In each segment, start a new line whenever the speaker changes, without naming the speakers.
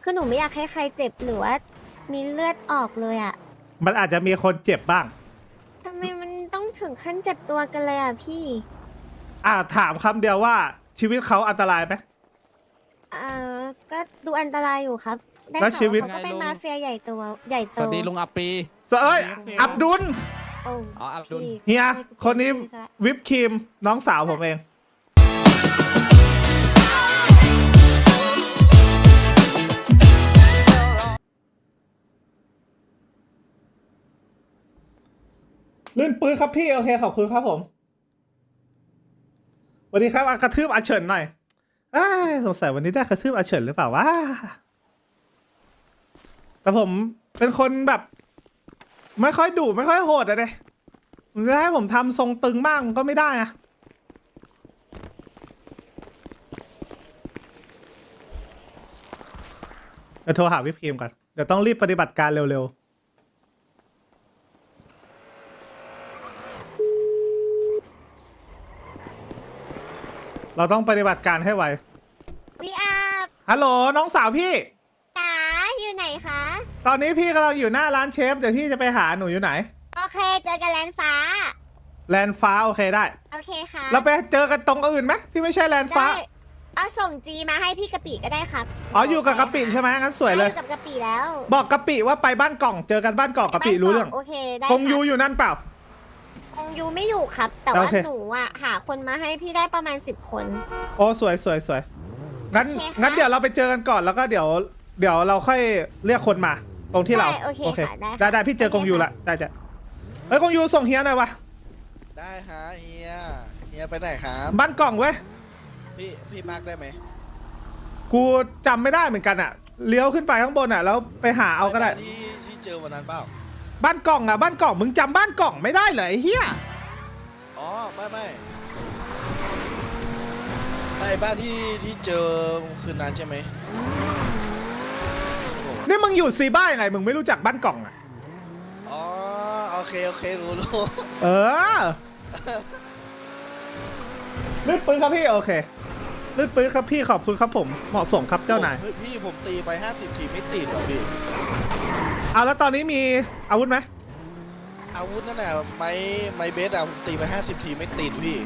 คือหนูไม่อยากให้ใครเจ็บหรือว่ามีเลือดออกเลยอะ
มันอาจจะมีคนเจ็บบ้าง
ทำไมมันต้องถึงขั้นเจ็บตัวกันเลยอะพี่
ถามคำเดียวว่าชีวิตเขาอันตรายไหม
อ่าก็ดูอันตรายอยู่ครับได้
แล้ว
ข่า
ชีวิต
เขาก็เป็นมาเฟียใหญ่ตัวใหญ่
ส
โต
วัสดีลุงอัปปี
เอ้ยอับดุล
โอ้
อ๋ออับดุล
พี่
เฮีย
ให้กู
คนนี้
พูดซะ
วิปครีมน้องสาวผมเอง ลื่นปื้ครับพี่ โอเค ขอบคุณครับผมสวัสดีครับกระทืบอาเฉินหน่อยสงสัยวันนี้ได้กระทืบอาเฉินหรือเปล่าวะแต่ผมเป็นคนแบบ ไม่ค่อยดุไม่ค่อยโหดอะเด้มันจะให้ผมทำทรงตึงมากมันก็ไม่ได้อะเดี๋ยวโทรหาวิปครีมก่อนเดี๋ยวต้องรีบปฏิบัติการเร็วๆเราต้องปฏิบัติการให้ไว
พี่อาบ
ฮัลโหลน้องสาวพี่
จ๋าอยู่ไหนคะ
ตอนนี้พี่กำลังอยู่หน้าร้านเชฟเดี๋ยวพี่จะไปหาหนูอยู่ไหน
โอเคเจอกันแลนฟ้า
แลนด์ฟ้าโอเคได้
โอเคค่ะ
เราไปเจอกันตรงอื่นไหมที่ไม่ใช่แลนด์ฟ้า
ได้เอาส่งจีมาให้พี่กะปิก็ได้ครับ
อ๋ออยู่กับกะปิใช่ไหมงั้นสวยเลย
ได้อกับกะปิแล้ว
บอกกะปิว่าไปบ้านกล่องเจอกันบ้านกล่องกะปิรู้เรื่อง
โอเคได้
คงยู
ครับ
อยู่นั่นเปล่า
คงยูไม่อยู่ครับ แต่
โอ
ว่า
เค
หนูอ่ะหาคนมาให้พี่ได้ประมาณ10 คน
โอ้สวยสวยสวยงั้น
โอเคค่ะ
งั้นเดี๋ยวเราไปเจอกันก่อนแล้วก็เดี๋ยวเราค่อยเรียกคนมา ตรงที่เรา
ได้โอเคค่ะได้ค่ะ
ได้พี่เจอกงยูละได้จ้ะเฮ้ยกงยูส่งเฮียหน่อยวะ
ได้ฮะเฮียไปไหนครับ
บ้านกล่องเว้ย
พี่มาร์กได้ไหม
กูจำไม่ได้เหมือนกันอะเลี้ยวขึ้นไปข้างบนอะแล้วไปหาเอาก็ได้
ที่เจอวันนั้นเปล่า
บ้านกล่องอะบ้านกล่องมึงจำบ้านกล่องไม่ได้เหรอไอ้เหี้ย
อ๋อไม่บ้านที่เจอคืนนั้นใช่ไหม
นี่มึงอยู่ซีบ้ายังไงมึงไม่รู้จักบ้านกล่องอะ
อ๋อโอเครู้
เออลืดปืนครับพี่โอเคลืดปืนครับพี่ขอบคุณครับผมเหมาะสมครับเจ้านาย
เฮ้ยพี่ผมตีไป50 ทีไม่ติดหรอพี่
เอาแล้วตอนนี้มีอาวุธไหม
อาวุธนั่นน่ะไม้เบสอะผมตีไป50 ทีไม่ติดพี่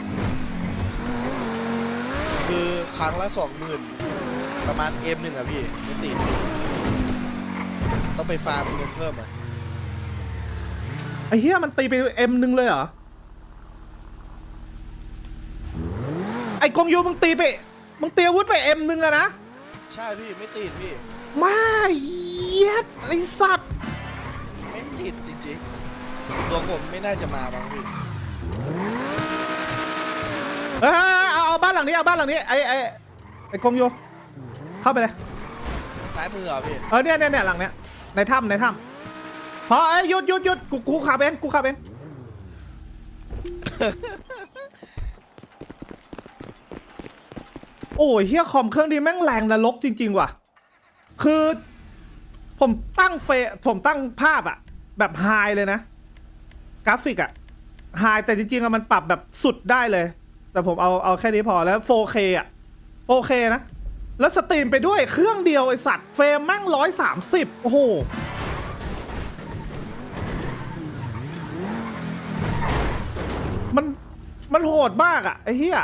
คือครั้งละ 20,000ประมาณ M1อะพี่ไม่ติดพี่ต้องไปฟาร์มเงินเพิ่มอะ
ไอ้เหี้ยมันตีไปM1เลยเหรอไอ้กงยูมึงตีอาวุธไปM1อะนะ
ใช่พี่ไม่ติดพี่
มาเหี้ยไอ้สัตว์
ไม่ติดจริงๆตัวผมไม่น่าจะมาบ้างพี่
เอาบ้านหลังนี้เอาบ้านหลังนี้ไอ้กงยูเข้าไปเลย
ซ้ายมือเหรอพี่
เนี่ยหลังเนี้ยในถ้ำพอหยุดกูขับเองโอ้ยเฮียคอมเครื่องนี้แม่งแรงนรกจริงๆว่ะคือผมตั้งภาพอะแบบไฮเลยนะกราฟิกอะไฮแต่จริงๆอะมันปรับแบบสุดได้เลย แต่ผมเอาแค่นี้พอแล้ว 4K อะ 4K นะแล้วสตรีมไปด้วยเครื่องเดียวไอสัตว์เฟรมแม่ง130โอ้โหมันโหดมากอะไอ้เหี้ย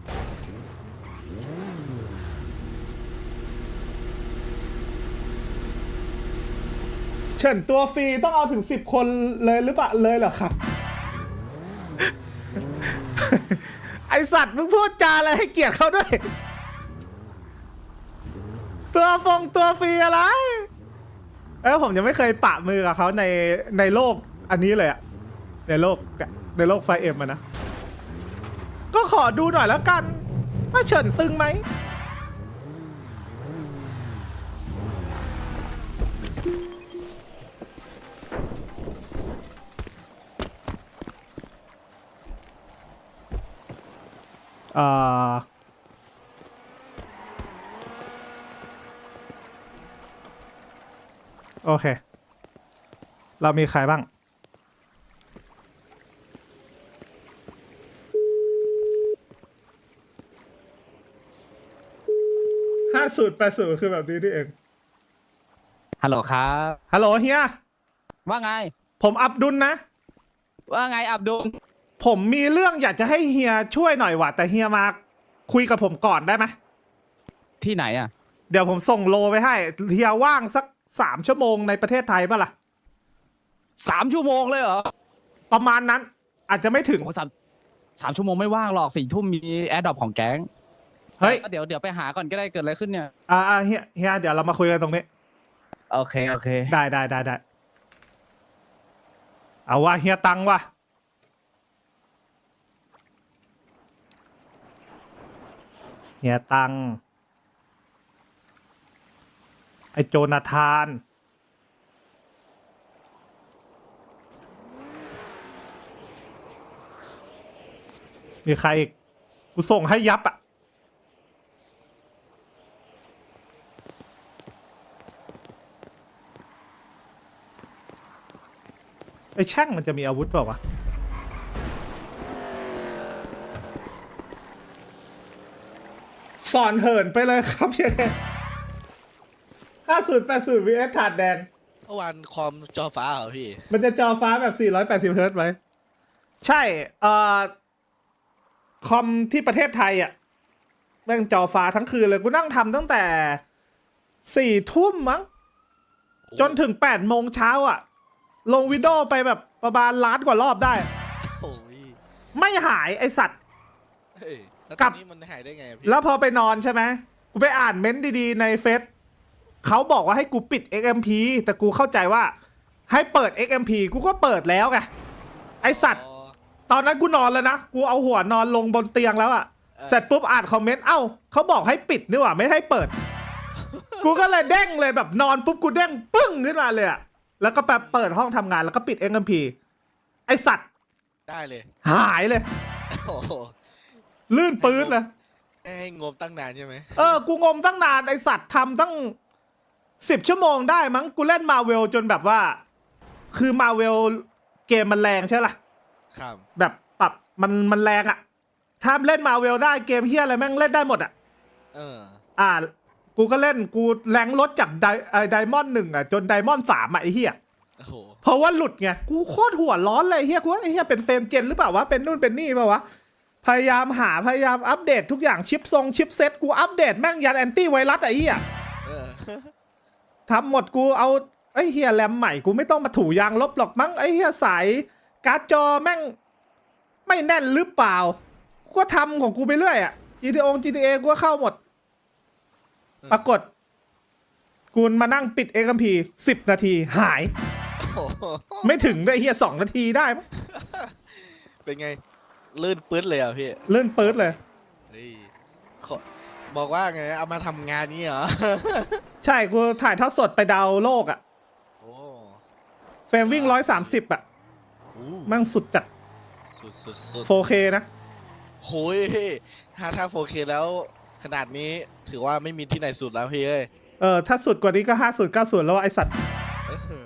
เฉินตัวฟรีต้องเอาถึง10 คนเลยหรือเปล่าเลยเหรอครับ ไอสัตว์มึงพูดจาอะไรให้เกียรติเขาด้วย ตัวฟรีอะไรผมยังไม่เคยปะมือกับเขาในโลกอันนี้เลยอะในโลกไฟเอ็มอะนะ ก็ขอดูหน่อยแล้วกันว่าเฉินตึงไหมโอเค เรามีใครบ้าง50 80คือแบบนี้นี่เอง
ฮัลโหลครับ
ฮัลโหลเฮีย
ว่าไง
ผมอับดุลนะ
ว่าไงอับดุล
ผมมีเรื่องอยากจะให้เฮียช่วยหน่อยว่ะแต่เฮียมาคุยกับผมก่อนได้ไหม
ที่ไหนอ่ะ
เดี๋ยวผมส่งโลไปให้เฮียว่างสัก3 ชั่วโมงในประเทศไทยป่ะล่ะ
3 ชั่วโมงเลยเหรอ
ประมาณนั้น อาจจะไม่ถึง
โอ้สามชั่วโมงไม่ว่างหรอก4 ทุ่มมีแอดดอปของแก๊ง
เฮ้ย
เดี๋ยวไปหาก่อนก็ได้เกิดอะไรขึ้นเนี่ย
เฮียเดี๋ยวเรามาคุยกันตรงนี้
โอเค
ได้เอาว่าเฮียตังว่ะเฮียตังไอโจนาธาน มีใครอีกกูส่งให้ยับอ่ะไอ้แช่งมันจะมีอาวุธเปล่าวะสอนเหินไปเลยครับเชียร์แค่5080 vs ถาดแดง
เมื่อวานคอมจอฟ้าเหรอพี่
มันจะจอฟ้าแบบ480เฮิร์ตซ์ไหมใช่คอมที่ประเทศไทยอ่ะแม่งจอฟ้าทั้งคืนเลยกูนั่งทำตั้งแต่4 ทุ่มมั้งจนถึง8 โมงเช้าอ่ะ ลงวิดีโอไปแบบประมาณล้านกว่ารอบได้
โอ้ย
ไม่หายไอสัตว์
เฮ้ยแล้ว
กลั
ต
บ
อนนี้มันหายได้ไงอะพี่
แล้วพอไปนอนใช่ไหมกูไปอ่านเม้นต์ดีๆในเฟซเขาบอกว่าให้กูปิด XMP แต่กูเข้าใจว่าให้เปิด XMP กูก็เปิดแล้วไงไอสัตว์
อ๋อ
ตอนนั้นกูนอนแล้วนะ กูเอาหัวนอนลงบนเตียงแล้วอะ เสร็จปุ๊บอ่านคอมเมนต์ เอ้าเขาบอกให้ปิดนี่หว่าไม่ให้เปิด กูก็เลยเด้งเลยแบบนอนปุ๊บกูเด้งปึ้งขึ้นมาเลยอะแล้วก็ไปเปิดห้องทำงานแล้วก็ปิด XMP ไอสัตว์
ได้เลย
หายเลย
โอ้โห
ลื่นปื๊ดเลย
ให้งบตั้งนานใช่ไหม
กูงมตั้งนานไอสัตว์ทำตั้ง10 ชั่วโมงได้มั้งกูเล่นมาเวลจนแบบว่า คือมาเวลเกมมันแรงใช่ล่ะ
ครับ
แบบปรับมันแรงอะถ้าเล่นมาเวลได้เกมเฮียอะไรแม่งเล่นได้หมดอะ
เออ
กูก็เล่นกูแรงลดจากไดมอนด์1อะจนไดมอนด์3อะไอเฮีย
โอ้โห
เพราะว่าหลุดไงกูโคตรหัวร้อนเลยเฮียกูว่าไอเฮียเป็นเฟรมเจนหรือเปล่าวะเป็นนู่นเป็นนี่เปล่าวะพยายามอัปเดตทุกอย่างชิปเซ็ตกูอัปเดตแม่งยันแอนตี้ไวรัสไอเฮีย
เออ
ทำหมดกูเอาไอ้เฮียแรมใหม่กูไม่ต้องมาถูยางลบหรอกมั้งไอ้เฮียสายการ์ดจอแม่งไม่แน่นหรือเปล่ากูก็ทำของกูไปเรื่อยอะ GTA กูก็เข้าหมด ปรากฏกูมานั่งปิด XMP 10 นาทีหาย
โอ้โห
ไม่ถึงได้เฮีย2 นาทีได้มั้ง
เป็นไง ลื่นปื๊ดเลยเหรอ่ะพี่
เลื่อนปื๊ดเลย
เฮ้ยขอบอกว่าไง เอามาทำงานนี้เหรอ
ใช่กูถ่ายทอดสดไปดาวโลกอะ
โอ้
เฟรมวิ่ง130อะ
โห
แม่งสุดจัด
สุด
4K นะ
โหยถ้า 4K แล้วขนาดนี้ถือว่าไม่มีที่ไหนสุดแล้วพี่เอ้ย
ถ้าสุดกว่านี้ก็50 90แล้วไอสัตว์
เออ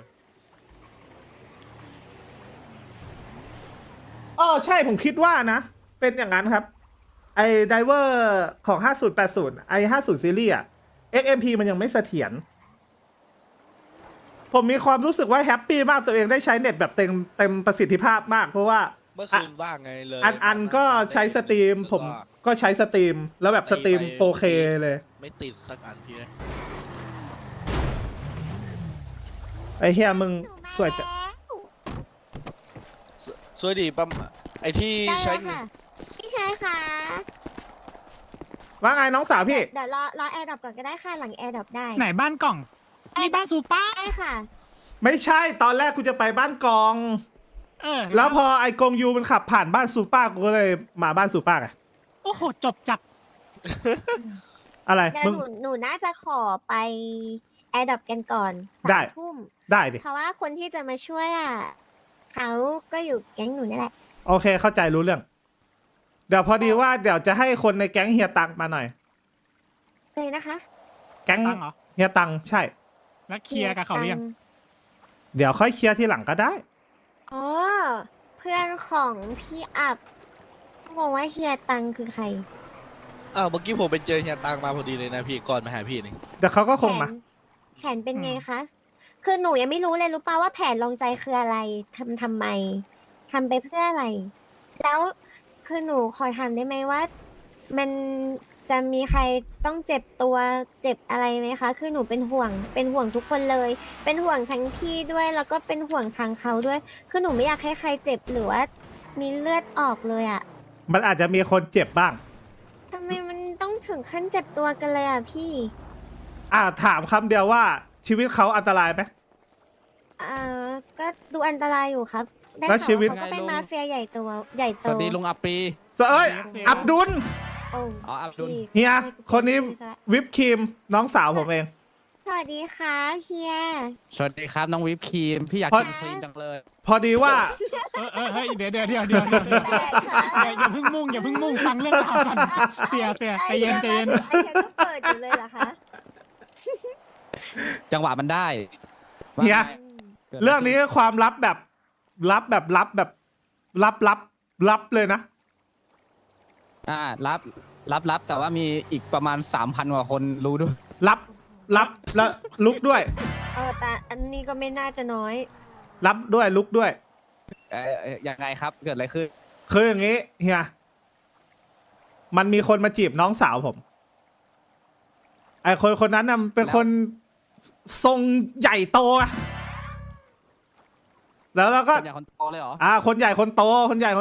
ใช่ผมคิดว่านะ เป็นอย่างนั้นครับ ไอ้ไดเวอร์ของ5080ไอ้50ซีรีส์อะ XMP มันยังไม่เสถียรผมมีความรู้สึกว่าแฮปปี้มากตัวเองได้ใช้เน็ตแบบเต็มประสิทธิภาพมาก เพราะว่า
เมื่อคืนว่างไงเลย
อันก็ใช้สตรีมผมก็ใช้สตรีมแล้วแบบสตรีม 4K เลย
ไม่ติดสักอันพี่เลย
ไอ้เฮียมึงสวยจัง
สวยดีปั๊มไอที่
ได้
ใช้
แล้วค่ะพี่ชายค่ะ
ว่าไงน้องสาวพี่
เดี๋ยวรอแอร์ดรอปก่อนก็ได้ค่ะหลังแอร์ดรอปได้
ไหนบ้านกล่องนี่บ้านซูเปอร์
ได้ค่ะ
ไม่ใช่ตอนแรกกูจะไปบ้านกอง แล้วพอไอ้กงยูมันขับผ่านบ้านซูป้ากูก็เลยมาบ้านซูป้าไง
โอ้โห จบจัด
อะไร
เดี๋ยว
มึง
หนูน่าจะขอไปแอร์ดรอปกันก่อน
ได้
3 ทุ่ม
ได้ดิ
เพราะว่าคนที่จะมาช่วยเขาก็อยู่แก๊งหนูนี่แหละ
โอเคเข้าใจรู้เรื่อง เดี๋ยวพอดีว่าเดี๋ยวจะให้คนในแก๊งเฮียตังมาหน่อย
เลยนะคะ
แก๊ง
ตังเหรอ
เฮียตังใช่
แล้วเคลียร์กับเขาหรือยัง
เดี๋ยวค่อยเคลียร์ทีหลังก็ได้
อ๋อ เพื่อนของพี่อับงงว่าเฮียตังคือใคร
อ้าวเมื่อกี้ผมไปเจอเฮียตังมาพอดีเลยนะพี่ก่อนมาหาพี่นี่
เดี๋ยวเขาก็คงมา
แขนเป็นไงคะคือหนูยังไม่รู้เลยรู้ป่าว่าแผนลองใจคืออะไรทำไมทำไปเพื่ออะไร แล้วคือหนูขอถามได้ไหมว่า มันจะมีใครต้องเจ็บตัวเจ็บอะไรไหมคะ คือหนูเป็นห่วงทุกคนเลย เป็นห่วงทั้งพี่ด้วยแล้วก็เป็นห่วงทางเขาด้วย คือหนูไม่อยากให้ใครเจ็บหรือว่ามีเลือดออกเลยอะ
มันอาจจะมีคนเจ็บบ้าง
ทำไมมันต้องถึงขั้นเจ็บตัวกันเลยอะพี่
ถามคำเดียวว่าชีวิตเขาอันตรายไหม
ก็ดูอันตรายอยู่ครับ ได้
แล้ว
ข่าว
ชีวิต
ว่าเขาก็เป็นมาเฟียใหญ่โต
สวัสดีลุงอัปปี
เอ้ย อับดุล
โอ้
อ๋ออับดุล
พี่
เฮีย
ไม่
คนนี้
ไม่ใช่
วิปครีมน้องสาวผมเอง
สวัสดีค่ะเฮีย
สวัสดีครับน้องวิปครีมพี่อยาก
พอ
กินครีมจังเลย
พอดีว่า
เฮ้ยเดี๋ยวอย่าเพิ่งมุ่งฟังเรื่องราวกันเสียใจเย็น
ไอเฮียก็เปิดอยู่เลยเหรอคะ
จังหวะมันได้
เฮีย
ว่าไง กิดะไ
เรื่องนี้ความลับแบบลับเลยนะ
รับแต่ว่ามีอีกประมาณ 3,000 กว่าคนรู้ด้วย
ลับแล้วลุกด้วย
แต่อันนี้ก็ไม่น่าจะน้อย
รับด้วยลุกด้วย
ยังไงครับเกิดอะไรขึ้น
คืออย่างนี้เฮีย มันมีคนมาจีบน้องสาวผม ไอคนนั้นน่ะเป็นคนทรงใหญ่โตอะแล้วเราก็
คนใหญ่คนโตเลยเหรอ
คนใหญ่คนโต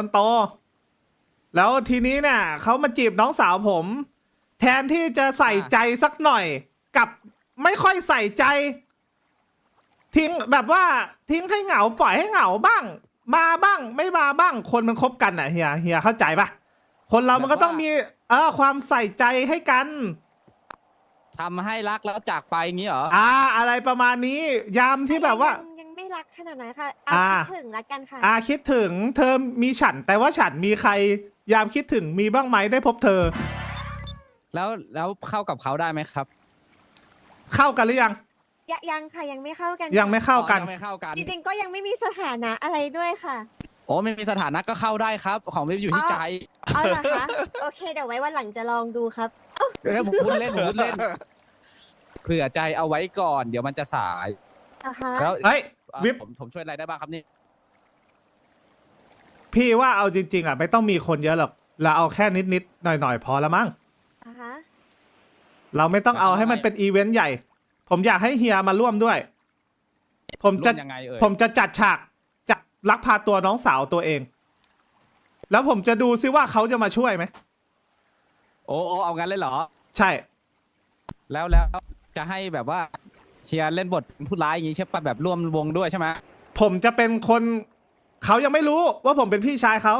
แล้วทีนี้เนี่ยเขามาจีบน้องสาวผม แทนที่จะใส่ใจสักหน่อยกับไม่ค่อยใส่ใจ ทิ้งแบบว่าทิ้งให้เหงาปล่อยให้เหงาบ้าง มาบ้างไม่มาบ้าง คนมันคบกันอ่ะเฮียเข้าใจปะคนเรามันก็ต้องมีความใส่ใจให้กัน
ทำให้รักแล้วจากไปอย่างนี้เหรอ
อะไรประมาณนี้ ยามที่แบบว่า
ยังไม่รักขนาดนั้นค่ะ เอาคิดถึงละกันค่ะ
คิดถึงเธอมีฉันแต่ว่าฉันมีใคร ยามคิดถึงมีบ้างไหมได้พบเธอ
แล้วเข้ากับเขาได้ไหมครับ
เข้ากันหรือยัง
ยังค่ะยังไม่เข้ากัน
ยังไม่เข้ากัน
อ๋อยังไม่เข้ากัน
จริงๆก็ยังไม่มีสถานะอะไรด้วยค่ะ
โอ้ไม่มีสถานะก็เข้าได้ครับ ของไม่อยู่ที่ใจ
เอาเหรอคะ โอเคเดี๋ยวไว้วันหลังจะลองดูครับ
ผมพูดเล่นเผื่อใจเอาไว้ก่อน เดี๋ยวมันจะสาย
นะคะ
แล้ว
เฮ้ย วิป
ผมช่วยอะไรได้บ้างครับนี่
พี่ว่าเอาจริงๆไม่ต้องมีคนเยอะหรอกเราเอาแค่นิดๆหน่อยๆพอละมั้ง
นะคะ
เราไม่ต้องเอาให้มันเป็นอีเวนต์ใหญ่ ผมอยากให้เฮียมาร่วมด้วย ผมจะ
ร่วมยังไงเอ่ย
ผมจะจัดฉากจัดลักพาตัวน้องสาวตัวเอง แล้วผมจะดูซิว่าเขาจะมาช่วยไหม
โอ้เอางั้นเลยเหรอ
ใช่
แล้วจะให้แบบว่าเฮียเล่นบทเป็นผู้ร้ายอย่างงี้ใช่ปะแบบร่วมวงด้วยใช่ไหม
ผมจะเป็นคนเขายังไม่รู้ว่าผมเป็นพี่ชายเขา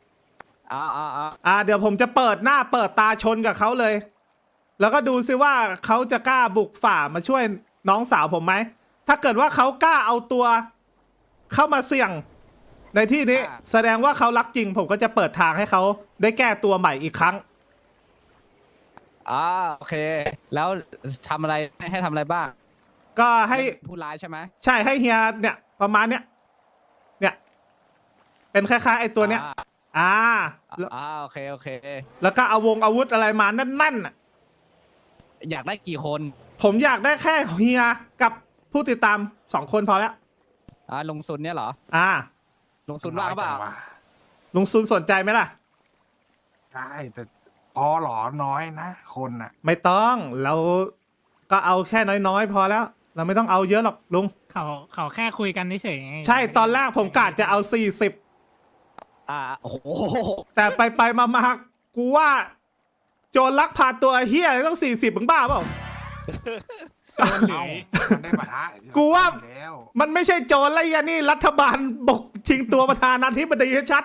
เดี๋ยวผมจะเปิดหน้าเปิดตาชนกับเขาเลย แล้วก็ดูซิว่าเขาจะกล้าบุกฝ่ามาช่วยน้องสาวผมไหม ถ้าเกิดว่าเขากล้าเอาตัวเข้ามาเสี่ยงในที่นี้ แสดงว่าเขารักจริง ผมก็จะเปิดทางให้เขาได้แก้ตัวใหม่อีกครั้ง
โอเค แล้วทำอะไรให้ทำอะไรบ้าง
ก็ให้
เป็นผู้ร้ายใช่ไหม
ใช่ให้เฮียเนี่ยประมาณเนี้ยเป็นคล้ายๆไอ้ตัวเนี้ยแล้ว
โอเค
แล้วก็เอาอาวุธอะไรมานั่นๆน่ะ
อยากได้กี่คน
ผมอยากได้แค่เฮียกับผู้ติดตาม2 คนพอแล้ว
ลงซุนเนี่ยเหรอ ลงซุนว่างเปล่า
ลุงซุนสนใจไหมล่ะ
ได้แต่พอหรอน้อยนะคนน่ะ
ไม่ต้องเราก็เอาแค่น้อยๆพอแล้ว เราไม่ต้องเอาเยอะหรอกลุง
เขาแค่คุยกันเฉยๆไง
ใช่ตอนแรกผมกะจะเอา40
โอ้โห
แต่ไปมากูว่า โจรลักพาตัวเฮียต้อง40มึงบ้าเปล่า
โจรหรือ
มันได้ปะทะ
กูว่า
แล้ว
มันไม่ใช่โจรอะไรอ่ะนี่รัฐบาลบกชิงตัวประธานาธิบดีชัด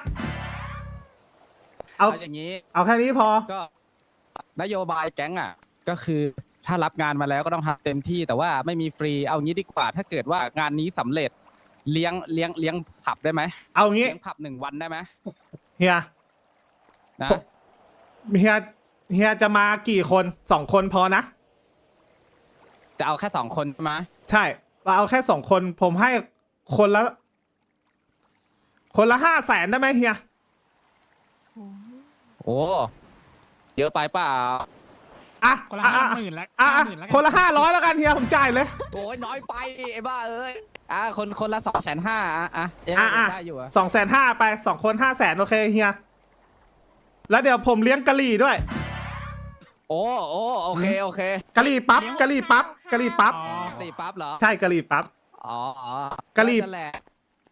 เอา
อย่างนี้
เอาแค่นี้พอ
ก็นโยบายแก๊งก็คือถ้ารับงานมาแล้วก็ต้องทำเต็มที่แต่ว่าไม่มีฟรีเอางี้ดีกว่า ถ้าเกิดว่างานนี้สำเร็จเลี้ยงผับได้ไหม
เอางี้
เลี้ยงผับ1 วันได้ไหม
เฮีย
นะ
เฮียจะมากี่คน2 คนพอนะ
จะเอาแค่2 คนใช่ไหม
ใช่เราเอาแค่2 คนผมให้คนละ500,000ได้ไหมเฮีย
โอ้เยอะไปเปล่า
อ่ะ
คนละ
อ่ะ
50,000แล้ว
อ่ะ
50,000แล้วกั
คนละ500แล้วกันเฮียผมจ่ายเลย
โอ้ยน้อยไปไอ้บ้าเอ้ยคนละ250,000อ่ะยัง
อ่ะ
ได้อยู่อะ
250,000ไป2 คน500,000โอเคเฮียแล้วเดี๋ยวผมเลี้ยงกะหรี่ด้วย
โอ้โอเคโอเค
กะหรี่ปั๊บกะหรี่ปั๊บกะหรี่ปั๊บ
อ๋อ
ตีปั๊บเหรอ
ใช่กะหรี่ปั๊บ
อ๋อ
กะหรี่
นั่นแหละ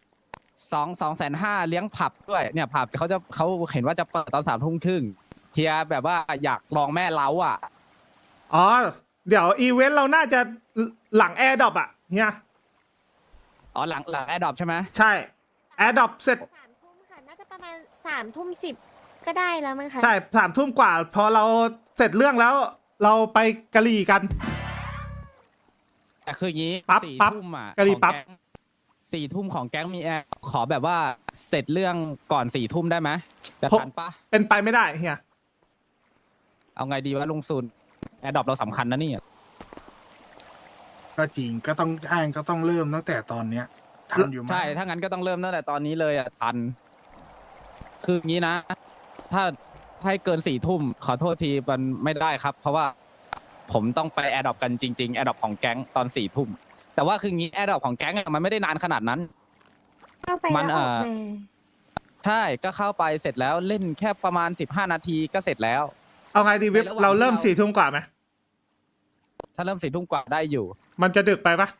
250,000เลี้ยงผับด้วยเนี่ยผับเขาเห็นว่าจะเปิดตอน3:30เฮียแบบว่าอยากลองแม่เล้าอ่ะ
อ๋อเดี๋ยวอีเวนต์เราน่าจะหลังแอร์ดรอปอ่ะเฮีย
อ๋อหลังแอร์ดรอปใช่ไหม
ใช่แอร์ดรอปเสร็จ
3 ทุ่มค่ะ น่าจะประมาณ3 ทุ่ม 10ก็ได้แล้วมั้งคะ
ใช่3 ทุ่มกว่า พอเราเสร็จเรื่องแล้ว เราไปกะหรี่กัน
แต่คืออย่างนี้
ปั๊บ
สี่
ปั๊บ
ทุ่มอ่ะ
กะหรี่ปั๊บ
4 ทุ่มของแก๊งมีแอร์ขอแบบว่าเสร็จเรื่องก่อน4 ทุ่มได้ไหมจะทันปะ
เป็นไปไม่ได้เฮีย
เอาไงดีวะลุงซุนแอร์ดรอปเราสำคัญนะนี่
ก็จริงก็ต้องเริ่มตั้งแต่ตอนเนี้ยทันอยู่ไหม
ใช่ถ้างั้นก็ต้องเริ่มตั้งแต่ตอนนี้เลยอ่ะทัน คืออย่างนี้นะ ถ้าให้เกิน4 ทุ่มขอโทษทีมันไม่ได้ครับ เพราะว่าผมต้องไปแอร์ดรอปกันจริงๆแอร์ดรอปของแก๊งตอน4 ทุ่มแต่ว่าคืองี้แอร์ดรอปของแก๊งอะมันไม่ได้นานขนาดนั้น
เข้าไป
มัน
แล้วออกมา
ใช่ก็เข้าไปเสร็จแล้วเล่นแค่ประมาณ15 นาทีก็เสร็จแล้ว
เอาไงดีวิบ
ในระหว่าง
เราเริ่ม
ที่เรา
4 ทุ่มกว่าไหม
ถ้าเริ่ม4 ทุ่มกว่าได้อยู่
มันจะดึกไปปะ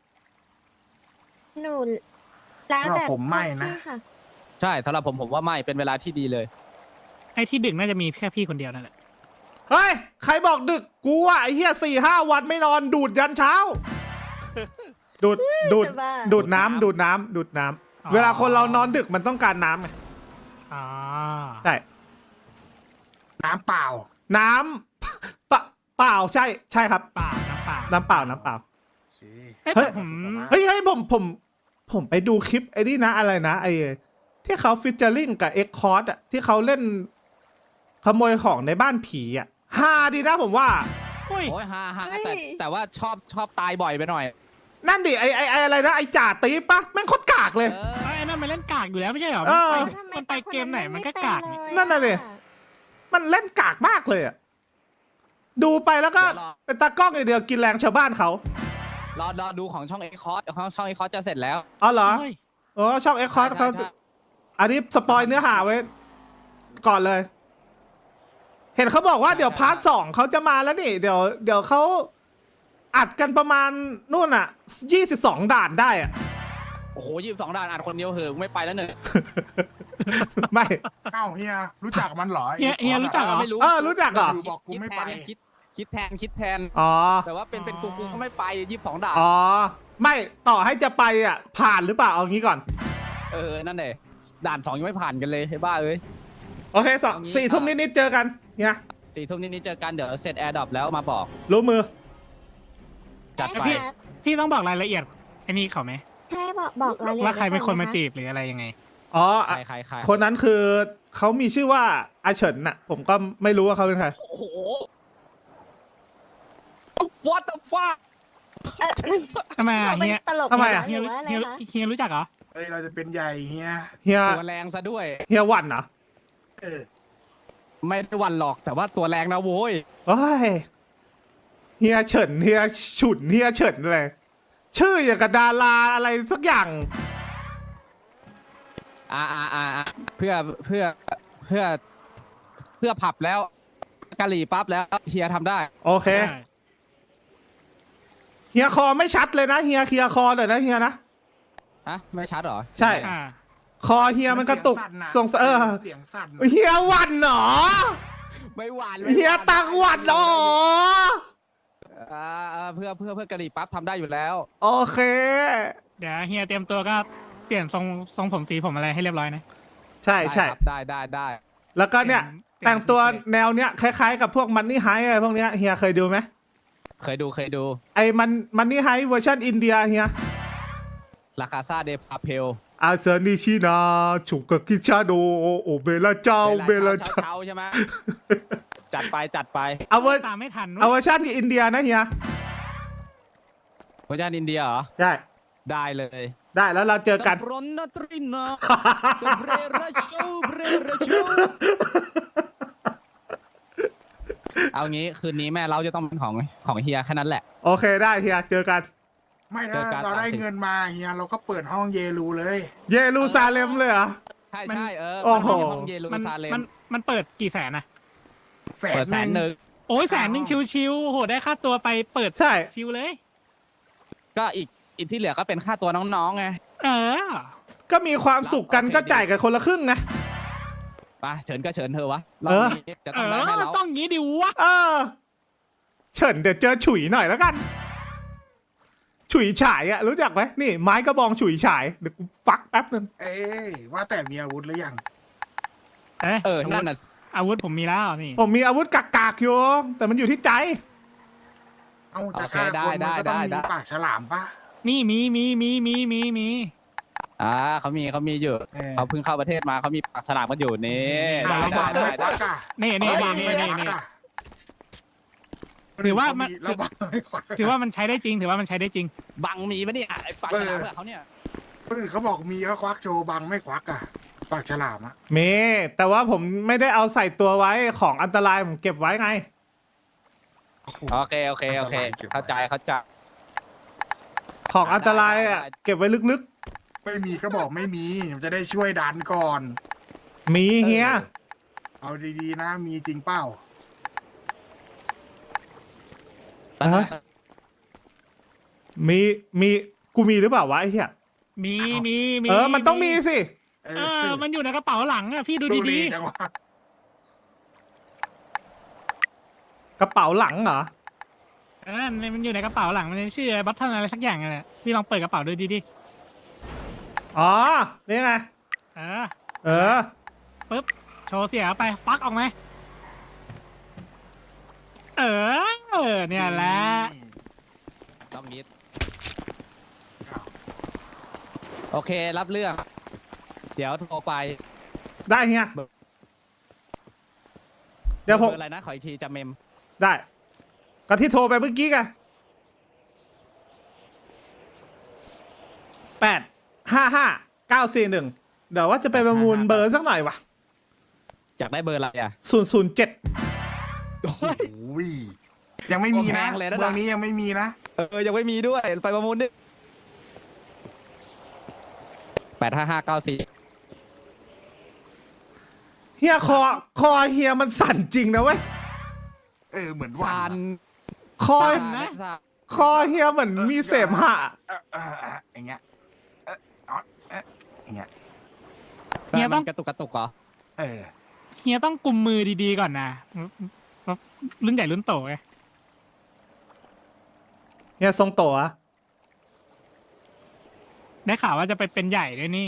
หนูแล้วแต่
ผมไม่นะ
พี่ค่ะ
ใช่สำหรับผมว่าไม่เป็นเวลาที่ดีเลย
ไอ้ที่ดึกน่าจะมีแค่พี่คนเดียวนั่นแหละ
เฮ้ยใครบอกดึกกูอ่ะไอ้เหี้ย4-5 วันไม่นอนดูดยันเช้า ดูด
จะบ้า
ดูดน้ำดูดน้ำเวลาคนเรานอนดึกมันต้องการน้ำไง
อ๋อ
ใช่
น้ำเปล่า
น้ำ เปล่าใช่ครับ
เปล่าน้ำเปล่า
น้ำเปล่าน้ำเปล่า
โอเค
เอ้ย
เฮ้ย
แต่ผม
เฮ้ยผมไปดูคลิปไอ้นี่นะอะไรนะไอ้ที่เขาฟิชเจอริงกับเอ็กคอร์ดอะที่เขาเล่นขโมยของในบ้านผีอะฮาดีนะผมว่า
อุ้ย
โอ้ยฮา
เฮ้ย
แต่ว่าชอบตายบ่อยไปหน่อย
นั่นดิไอ้อะไรนะไอ้จ่าตีปะแม่งโคตรกากเลย
ไอ้นั่นมันเล่นกากอยู่แล้วไม่ใช่เหรอ
เออ
มันไปเกมไหนมันก็กากนี่
นั่นน่ะดิ มันเล่นกากมากเลยอะดูไปแล้วก็
เดี๋ยวรอ
เป็นตากล้องอย่างเดียวกินแรงชาวบ้านเขา
รอดูของช่องเอ็กคอร์ช่องเอ็กคอร์จะเสร็จแล้ว
อ๋อเหรอ
เฮ้ย
อ๋อช่องเอ็กคอร์
ใช่
เขา
ใช่
อันนี้สปอยเนื้อหาไว้ ก่อนเลย เห็นเขาบอกว่าเดี๋ยวพาร์ท 2เขาจะมาแล้วนี่ เดี๋ยวเขาอัดกันประมาณนู่นอ่ะ22 ด่านได้อ่ะ
โอ้โห22 ด่านอ่านคนเดียวเหอะไม่ไปแล้วหนึ่ง
ไม่
เอ้าเฮียรู้จักมันเหรอ
เฮียรู้จักเหรอ
ไม่รู้
รู้จักเหรอ
บอกกูไม่ไป
คิดแทน
อ๋อ
แต่ว่าเป็นกูก็ไม่ไป22 ด่าน
อ๋อ ไม่ต่อให้จะไปอ่ะ ผ่านหรือเปล่าเอางี้ก่อน
นั่นเลยด่าน 2ยังไม่ผ่านกันเลยไอ้บ้าเอ้ย
โอเคสอง
เอางี้
4 ทุ่มนิดๆเจอกันเนี่ย
4 ทุ่มนี้เจอกันเดี๋ยวเสร็จแอร์ดรอปแล้วมาบอก
รู้มือ
จัดไป
ครับ
พี่ต้องบอกรายละเอียดไอ้นี่เขาไหม
ใช่บอกรายละเอียด
ว่าใครเป็นคนมา
ไว้ก่อ
จีบหรืออะไรยังไง
อ๋อ
ใคร
คนนั้นคือเขามีชื่อว่าอาเฉินน่ะ ผมก็ไม่รู้ว่าเขาเป็นใคร
โอ้โห What the fuck
ทำไม
นะคะ
อ่ะ
มัน
เฮีย
ตลก
ทำไมอะ
ห
เฮีย
รือว่าอะไร
เฮีย
คะ
เฮียรู้จักเหรอ
เอ้ยเราจะเป็นใหญ่เฮีย
เฮีย
ตัวแรงซะด้วย
เฮียหวันเหรอ
เออ
ไม่ได้หวันหรอกแต่ว่าตัวแรงนะโว้ย
โอ้ยเฮียเฉินเฮียฉุนเฮียเฉินเลยชื่ออย่างกับดาราอะไรสักอย่าง
เพื่อผับแล้วกะหรี่ปั๊บแล้วเฮียทำได้
โอเค เฮียคอไม่ชัดเลยนะเฮียเคลียร์คอหน่อยนะเฮียนะ
ฮะ ไม่ชัดเหรอ
ใช่
อ่า
คอเฮียมันกระตุก
ส่ง
เออ
เสียงสั่น
เฮียหวันเหรอ
ไม่หวาน
เฮียตังหวันเหรอ
เพื่อกะหรี่ปั๊บทำได้อยู่แล้ว
โอเค
เดี๋ยวเฮียเตรียมตัวก็เปลี่ยนทรงผมสีผมอะไรให้เรียบร้อยนะ
ใช่ใช่
ได้
แล้วก็เนี่ย
เปลี่ยน
แต่งตัวแนวเนี้ยคล้ายๆกับพวกมันนี่ไฮอะไรพวกเนี้ยเฮียเคยดูไหม
เคยดู
ไอ้มันนี่ไฮเวอร์ชันอินเดียเฮีย
ราคาซาเดพาเพล
อาเซนิชินาฉุกกะกิชาโดโอเบลาเจ้าเบลาเจ้า
เช้าใช่ไหม จัดไป
เอาเวอร์
ตามไม่ทัน
เอาเวอร์ชันอินเดียนะเฮีย
เวอร์ชันอินเดียเหรอ
ใช่
ได้เลย
ได้แล้วเราเจอกัน
สับรนนาตรินาสเปรราชูเอางี้คืนนี้แม่เราจะต้องเป็นของเฮียแค่นั้นแหละ
โอเคได้เฮียเจอกัน
ไม่
เจ
ถ้า
อกัน
เราได้
30
เงินมาเฮียเราก็เปิดห้องเยรูเลย
เยรูซาเล็มเลยเหรอ
ใช่
มัน
ใช่
โอ้โห
มันมีห้องเยรู
มัน
ซาเล็ม
มันเปิดกี่แสนนะ
เปิด100,000
โอ้ย100,000ชิวๆโหได้ค่าตัวไปเปิด
ใช่
ชิวเลย
ก็อีกที่เหลือก็เป็นค่าตัวน้องๆไง
เออ
ก็มีความสุขกันก็จ่ายกันคนละครึ่งไง
ไปเฉินก็เฉินเธอะวะร
เอ
อบ
อ
นี้จะ
เอ
ต้องได้
อ
ให้
มัน
เรา
ต้องงี้ดิวะ
เออเฉินเดี๋ยวเจอฉุยหน่อยแล้วกัน ฉุยฉายอะรู้จักไหมนี่ไม้กระบองฉุยฉายเดี๋ยวกูฟักแป๊บนึง
เอ้ยว่าแต่มีอาวุธหรือยัง
นั่นน่ะ
อาวุธผมมีแล้วนี่
ผมมีอาวุธกากๆอยู่แต่มันอยู่ที่ใจ
เอาจะฆ่าคนมันก็ต้องมีปากฉลามปะ
นี่มี
เขามีอยู่
เออ
เขาเพิ่งเข้าประเทศมาเขามีปากฉลามกันอยู่นี่
เราบังไม่ควักอะ
นี่
เราบังไม่ควักอะ
ถือว่ามัน
เราบังไม่ควัก
ถือว่ามันใช้ได้จริง ถือว่ามันใช้ได้จริง
บังมีปะเนี่ยไอ้ปากฉลามเพื่อเขาเนี่ย
คนอื่นเขาบอกมีก็ควักโชว์บังไม่ควักอะปากฉลามอะ
มีแต่ว่าผมไม่ได้เอาใส่ตัวไว้ของอันตรายผมเก็บไว้ไง
โอเคเข้าใจ
ของอันตรายอ่ะเก็บไว้ลึก
ไม่มีก็บอกไม่มีมันจะได้ช่วยดันก่อน
ๆ มีเฮีย
เอาดีๆนะมีจริงเปล่า
ฮะ มีกูมีหรือเปล่าวะไอ้เหี้ย
มี
มันต้องมีสิ
เอ
เออ มันอยู่ในกระเป๋าหลังอะพี่ดูดี
จังวะ
กระเป๋าหลังเหรอ
ๆมันอยู่ในกระเป๋าหลังมันชื่อบัตเทิลอะไรสักอย่างแหละพี่ลองเปิดกระเป๋าดูดี
อ๋อนี่ไง
ๆเออ
ปึ๊บ
โชว์เสียไปฟักออกไหมเนี่ยแหละ
ต้องมิดโอเครับเรื่อง เดี๋ยวโทรไป
ได้เฮียเดี๋ยวผม
บอร์อะไรนะขออีกทีจะเมม
ได้ก็ที่โทรไปเมื่อกี้ไง855-941เดี๋ยวว่าจะไปประมูลเบอร์สักหน่อยวะ
อยากได้เบอร์อะไรอ่ะ
007
โอ้ยยังไม่มีนะ
แพงเลยนะ
เมืองนี้ยังไม่มีนะ
ยังไม่มีด้วยไปประมูลดิ85594
เฮียคอเฮียมันสั่นจริงนะเว้ย
เหมือนหวั
ซาน น
คอ
นะ
คอเฮียเหมือนมีเสมหะ
อย่างเงี้ยอย่างเงี้ย
เนี่ยต้อง
กระตุกเหรอ
เฮียต้องกุมมือดีๆก่อนนะรุ่นใหญ่รุ่นโตไง
เฮียทรงโตอะ
ได้ข่าวว่าจะไปเป็นใหญ่ด้วยนี่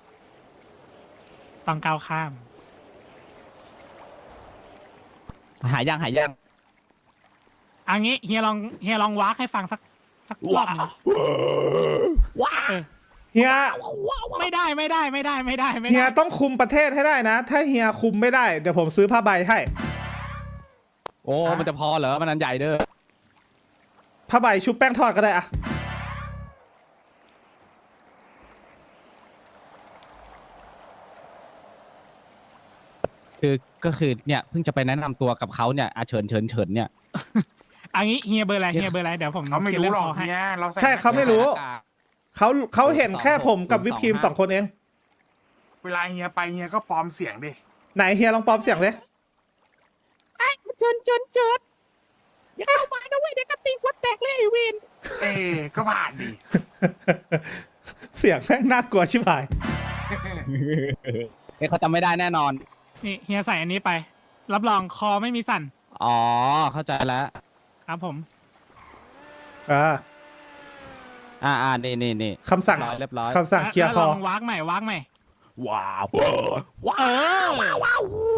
ต้องก้าวข้าม
หายยัง
อันนี้เฮียลองวากให้ฟังสักรอบหนึง
เฮีย
ไม่ได้
เฮียต้องคุมประเทศให้ได้นะ ถ้าเฮียคุมไม่ได้เดี๋ยวผมซื้อผ้าใบให้
โอ้มันจะพอเหรอมันอันใหญ่เด้อ
ผ้าใบชุบแป้งทอดก็ได้อะ
ก็คือเนี่ยเพิ่งจะไปแนะนำตัวกับเขาเนี่ยเฉินเนี่ย
อันนี้เฮียเบอร์อะไรเดี๋ยวผม
เขาไม่รู้หรอก
ให้
เนี่ยเรา
ใช่เขาไม่รู้
หน้ากาก
เขาเห็นแค่ผมกับวิปครีม2 คนเอง
เวลาเฮียไปเฮียก็ปลอมเสียงดิ
ไหนเฮียลองปลอมเสียงเลย
เจิดอย่าเข้ามานะเว้ยเดี๋ยวกระติงวัดแตกเลยไอ้เวน
ก็ผ่านดิ
เสียงแม่งน่ากลัวชิบหาย
เขาจำไม่ได้แน่นอน
นี่เฮียใส่อันนี้ไป รับรองคอไม่มีสั่น
อ๋อเข้าใจแล้ว
ครับผม
นี่
คำสั่ง
เรียบร้อย
คำสั่งเคลียร์ค
แล้
อ
วลองวากใหม่
ว้าว
ว้าว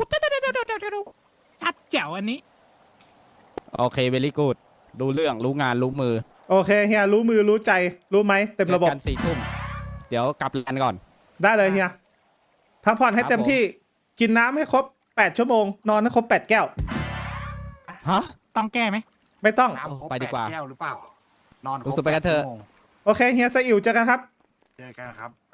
ชัดแจ๋วอันนี้
โอเคเวลี่กูดรู้เรื่องรู้งานรู้มือ
โอเคเฮียรู้มือรู้ใจรู้ไหมเต็มระบบ
เจอกัน4 ทุ่มเดี๋ยวกลับร้านก่อน
ได้เลยเฮียพักผ่อนให้
ครับ
เต็มที่กินน้ำให้ครบ8 ชั่วโมงนอนให้ครบ8 แก้ว
ฮะ
ต้องแก้ไหม
ไม่ต้อง
น้ำครบ
ไปดีกว่า
8 แก้วหรือเปล่า นอนคร
รู้
บ
สึกไปกันเถอะ
8 ชั่วโมง
โอเคเฮียไซอิ๋วเจอกันครับ
เจอกันครับ